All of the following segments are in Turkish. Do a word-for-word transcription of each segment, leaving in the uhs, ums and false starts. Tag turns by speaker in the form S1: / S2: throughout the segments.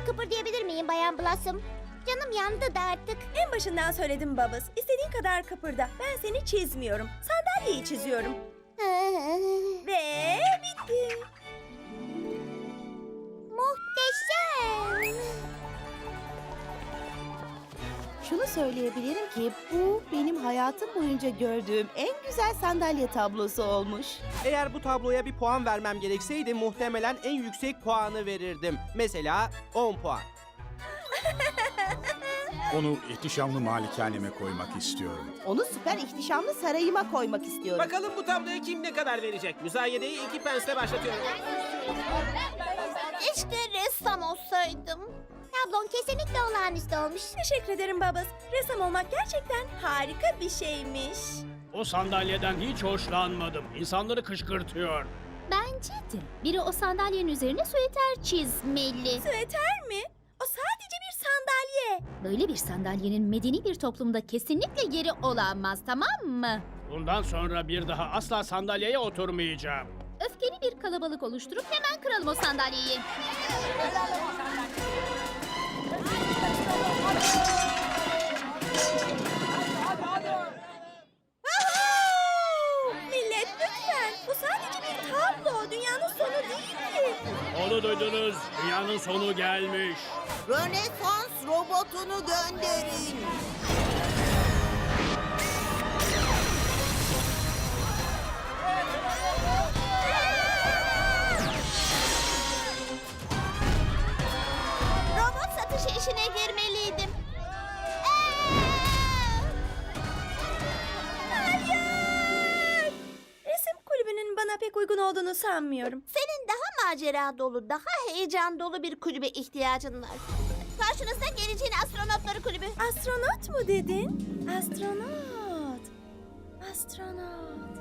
S1: kıpırdayabilir miyim Bayan Blossom? Canım yandı da artık.
S2: En başından söyledim Bubbles. İstediğin kadar kıpırda. Ben seni çizmiyorum. Sandalyeyi çiziyorum. Ve bitti.
S1: Muhteşem.
S3: Şunu söyleyebilirim ki bu benim hayatım boyunca gördüğüm en güzel sandalye tablosu olmuş.
S4: Eğer bu tabloya bir puan vermem gerekseydi muhtemelen en yüksek puanı verirdim. Mesela on puan.
S5: Onu ihtişamlı malikaneme koymak istiyorum.
S3: Onu süper ihtişamlı sarayıma koymak istiyorum.
S6: Bakalım bu tabloya kim ne kadar verecek? Müzayedeyi iki pensle başlatıyorum.
S1: Keşke ressam olsaydım. Tablon kesinlikle olağanüstü olmuş.
S2: Teşekkür ederim Bubbles. Ressam olmak gerçekten harika bir şeymiş.
S7: O sandalyeden hiç hoşlanmadım. İnsanları kışkırtıyor.
S8: Bence de. Biri o sandalyenin üzerine süeter çizmeli.
S2: Süeter mi? O sadece bir sandalye.
S8: Böyle bir sandalyenin medeni bir toplumda kesinlikle yeri olamaz, tamam mı?
S7: Bundan sonra bir daha asla sandalyeye oturmayacağım.
S8: Öfkeli bir kalabalık oluşturup hemen kıralım o sandalyeyi.
S2: Millet lütfen. Bu sadece bir tablo. Dünyanın sonu değil ki.
S7: Onu duydunuz. Dünyanın sonu gelmiş.
S3: Rönesans robotunu gönderin.
S1: Robot satışı işine girmeliydim.
S2: Hayır! Resim kulübünün bana pek uygun olduğunu sanmıyorum.
S1: Senin daha macera dolu, daha heyecan dolu bir kulübe ihtiyacın var. Karşınızda geleceğin astronotları kulübü.
S2: Astronot mu dedin? Astronot. Astronot.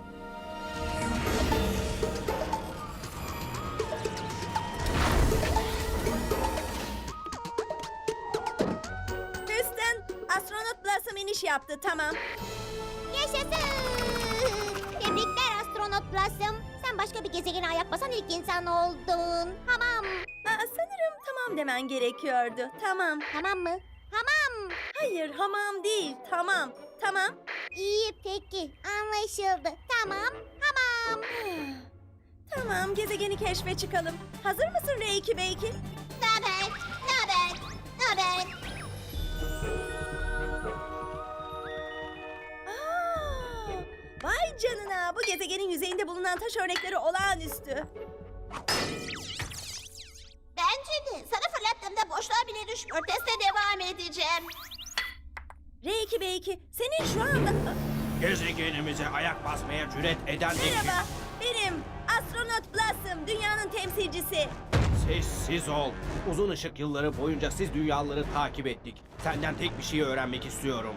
S2: Houston, astronot Blossom iniş yaptı. Tamam.
S1: Yaşasın! Tebrikler astronot Blossom. Sen başka bir gezegene ayak basan ilk insan oldun. Tamam.
S2: Aa, sanırım tamam demen gerekiyordu. Tamam.
S1: Tamam mı? Tamam.
S2: Hayır, hamam değil. Tamam. Tamam.
S1: İyi peki. Anlaşıldı. Tamam. Tamam.
S2: Tamam, gezegeni keşfe çıkalım. Hazır mısın R iki B iki?
S1: Naber? Naber? Naber?
S2: Aa, vay canına, bu gezegenin yüzeyinde bulunan taş örnekleri olağanüstü.
S1: Bence de. Sana fırlattığımda boşluğa bile düşmüyor. Teste devam edeceğim.
S2: R iki B iki, senin şu anda...
S6: Gezegenimize ayak basmaya cüret eden
S2: Merhaba, benim astronot Blossom, dünyanın temsilcisi.
S6: Sessiz ol. Uzun ışık yılları boyunca siz dünyaları takip ettik. Senden tek bir şey öğrenmek istiyorum.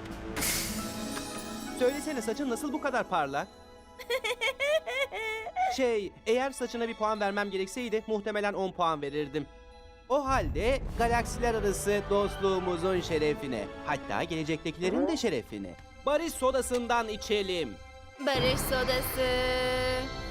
S4: Söylesene saçın nasıl bu kadar parlak? Şey, eğer saçına bir puan vermem gerekseydi muhtemelen on puan verirdim. O halde galaksiler arası dostluğumuzun şerefine, hatta gelecektekilerin de şerefine, barış sodasından içelim.
S8: Barış sodası.